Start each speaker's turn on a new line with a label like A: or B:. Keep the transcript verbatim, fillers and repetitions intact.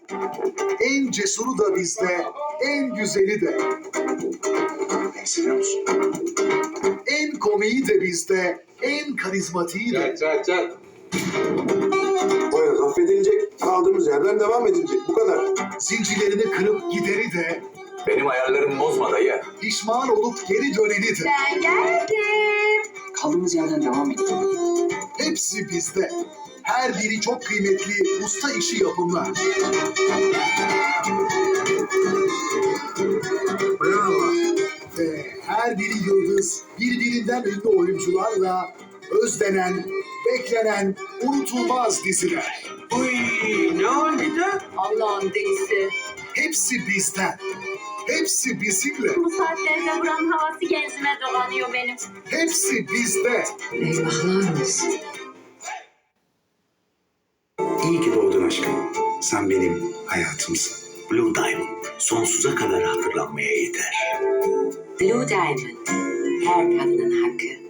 A: En cesuru da bizde, en güzeli de.
B: Beni seviyor musun?
A: En komiği de bizde, en karizmatiği de.
C: Çat çat çat.
B: Poyraz affedilecek. Kaldığımız yerden devam edilecek. Bu kadar.
A: Zincirlerini kırıp gideri de,
C: Benim ayarlarımı bozma dayı.
A: pişman olup geri döneni de.
D: Ben geldim.
E: Kaldığımız yerden devam edelim.
A: Hepsi bizde. Her biri çok kıymetli usta işi yapımlar.
B: Bravo.
A: Ve her biri yıldız, birbirinden ünlü oyuncularla özlenen, beklenen, unutulmaz diziler.
E: Uy, ne oldu da?
D: Allah'ın delisi.
A: Hepsi bizden. Hepsi bizimle.
D: Bu saatlerde buranın havası genzime dolanıyor benim.
A: Hepsi bizde.
E: Eyvahlar olsun.
B: İyi ki doğdun aşkım. Sen benim hayatımsın.
F: Blue Diamond sonsuza kadar hatırlanmaya yeter.
E: Blue Diamond. Her kadının hakkı.